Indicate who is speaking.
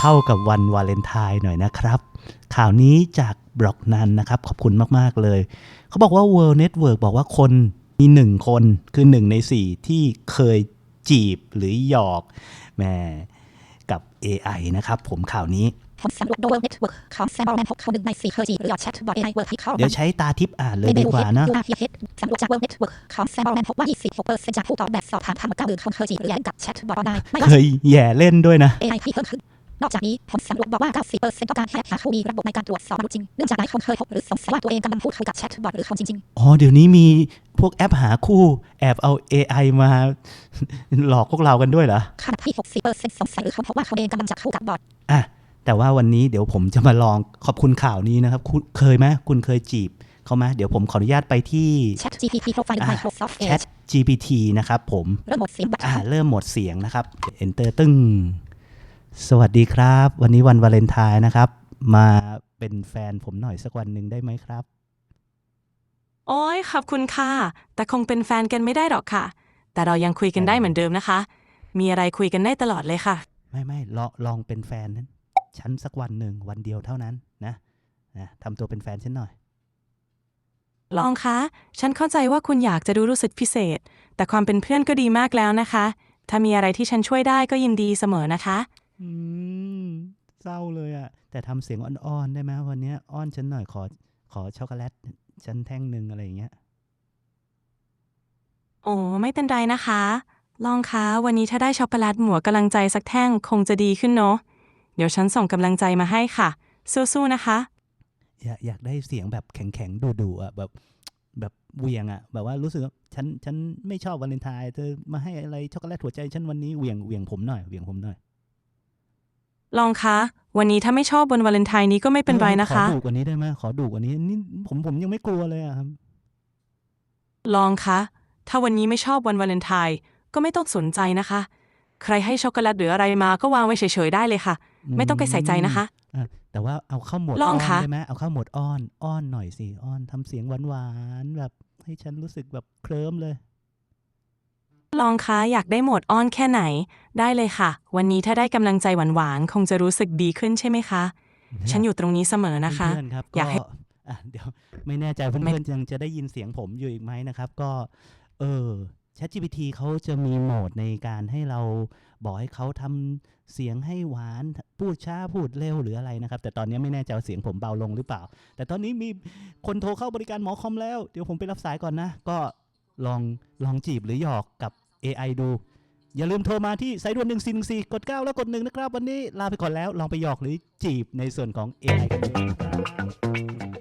Speaker 1: เข้ากับวันวาเลนไทน์หน่อยนะครับข่าวนี้จากบล็อกนั้นนะครับขอบคุณมากๆเลยเขาบอกว่า World Network บอกว่าคนมี1คนคือ1ใน4ที่เคยจีบหรือหยอกแม่กับ AI นะครับผมข่าวนี้
Speaker 2: ผลสำรวจ World Network ของแซมบอลแมนพบเขา1 ใน 4เคยจีบหรือหยอดแชทบอท AI เวิร์กให้เข้า
Speaker 1: เดี๋ยวใช้ตาทิพย์อ่านเลยดีกว่านะ
Speaker 2: สำรวจจาก World Network ของแซมบอลแมนพบว่า 26% จากผู้ตอบแบบสอบถามทั้งหมด 90,000 คนเคยจีบหรือแย่กับแชทบอท AI ไม่ว่า
Speaker 1: เคยแย่เล่นด้วยนะ
Speaker 2: AI ที่เพิ่มขึ้นนอกจากนี้ผลสำรวจบอกว่า 90% ต้องการแค่หาผู้มีระบบในการตรวจสอบมนุษย์จริงเนื่องจากหลายคนเคยพบหรือสงสัยว่าตัวเองกำลังพูดคุยกับแชทบอทหรือคนจริง
Speaker 1: อ๋อเดี๋ยวนี้มีพวกแอปหาคู่แอบเอา AI มา หลอกพวกเรากันด้วยเหรอ
Speaker 2: ขณะที่ 60% สงสัยหรือเขาพบว่าเขาเองกำลังจะคู่กับบอท
Speaker 1: อ่ะแต่ว่าวันนี้เดี๋ยวผมจะมาลองขอบคุณข่าวนี้นะครับคุณเคยไหมคุณเคยจีบเขาไหมเดี๋ยวผมขออนุญาตไปที่
Speaker 2: ChatGPT Profile Microsoft Edge
Speaker 1: ChatGPT นะครับผม
Speaker 2: เริ่มโหมดเสียงบัตร
Speaker 1: เริ่มโหมดเสียงนะครับ Enter ตึ้งสวัสดีครับวันนี้วันวาเลนไทน์นะครับมาเป็นแฟนผมหน่อยสักวันหนึ่งได้ไหมครับ
Speaker 3: โอ้ยขอบคุณค่ะแต่คงเป็นแฟนกันไม่ได้หรอกค่ะแต่เรายังคุยกันได้เหมือนเดิมนะคะมีอะไรคุยกันได้ตลอดเลยค่ะ
Speaker 1: ไม่ลองเป็นแฟนนั้นฉันสักวันหนึ่งวันเดียวเท่านั้นนะทำตัวเป็นแฟนฉันหน่อย
Speaker 3: ลองคะฉันเข้าใจว่าคุณอยากจะดูรู้สึกพิเศษแต่ความเป็นเพื่อนก็ดีมากแล้วนะคะถ้ามีอะไรที่ฉันช่วยได้ก็ยินดีเสมอนะคะ
Speaker 1: เศร้าเลยอะแต่ทำเสียงอ่อนๆได้ไหมวันนี้อ้อนฉันหน่อยขอช็อกโกแลตฉันแท่งหนึ่งอะไรอย่างเงี้ย
Speaker 3: โอ้ไม่เป็นไรนะคะลองคะวันนี้ถ้าได้ช็อกโกแลตหมัวกำลังใจสักแท่งคงจะดีขึ้นเนาะเดี๋ยวฉันส่งกำลังใจมาให้ค่ะสู้ๆนะคะ
Speaker 1: อยากได้เสียงแบบแข็งๆดุๆอะแบบเวียงอะแบบว่ารู้สึกว่าฉันไม่ชอบวาเลนไทน์เธอมาให้อะไรช็อกโกแลตหัวใจฉันวันนี้เวียงผมหน่อยเวียงผมหน่อย
Speaker 3: ลองคะวันนี้ถ้าไม่ชอบบนวาเลนไทน์นี้ก็ไม่เป็นไรนะคะ
Speaker 1: ขอดุกว่านี้ได้ไหมขอดุกว่านี้นี่ผมยังไม่กลัวเลยอะครับ
Speaker 3: ลองคะถ้าวันนี้ไม่ชอบวันวาเลนไทน์ก็ไม่ต้องสนใจนะคะใครให้ช็อกโกแลตหรืออะไรมาก็วางไว้เฉยๆได้เลยค่ะไม่ต้องไปใส่ใจนะคะ
Speaker 1: แต่ว่าเอาเข้าโหมด
Speaker 3: ล
Speaker 1: อ้
Speaker 3: อง
Speaker 1: อน
Speaker 3: คะ
Speaker 1: ได้ไหมเอาเข้าโหมดอ้อนหน่อยสิอ้อนทำเสียงหวานๆแบบให้ฉันรู้สึกแบบเคลิ้มเลย
Speaker 3: ลองคะอยากได้โหมดอ้อนแค่ไหนได้เลยค่ะวันนี้ถ้าได้กำลังใจหวานๆคงจะรู้สึกดีขึ้นใช่ไหมคะฉันอยู่ตรงนี้เสมอนะคะ
Speaker 1: เพื่อนๆครับก็
Speaker 3: อยากให้
Speaker 1: เดี๋ยวไม่แน่ใจเพื่อนๆยังจะได้ยินเสียงผมอยู่อีกไหมนะครับก็ChatGPT เขาจะมีโหมดในการให้เราบอกให้เขาทำเสียงให้หวานพูดช้าพูดเร็วหรืออะไรนะครับแต่ตอนนี้ไม่แน่ใจว่าเสียงผมเบาลงหรือเปล่าแต่ตอนนี้มีคนโทรเข้าบริการหมอคอมแล้วเดี๋ยวผมไปรับสายก่อนนะก็ลองจีบหรือหยอกกับ AI ดูอย่าลืมโทรมาที่สายด่วน1414กด9แล้วกด1นะครับวันนี้ลาไปก่อนแล้วลองไปหยอกหรือจีบในส่วนของ AI กันดูนะครับ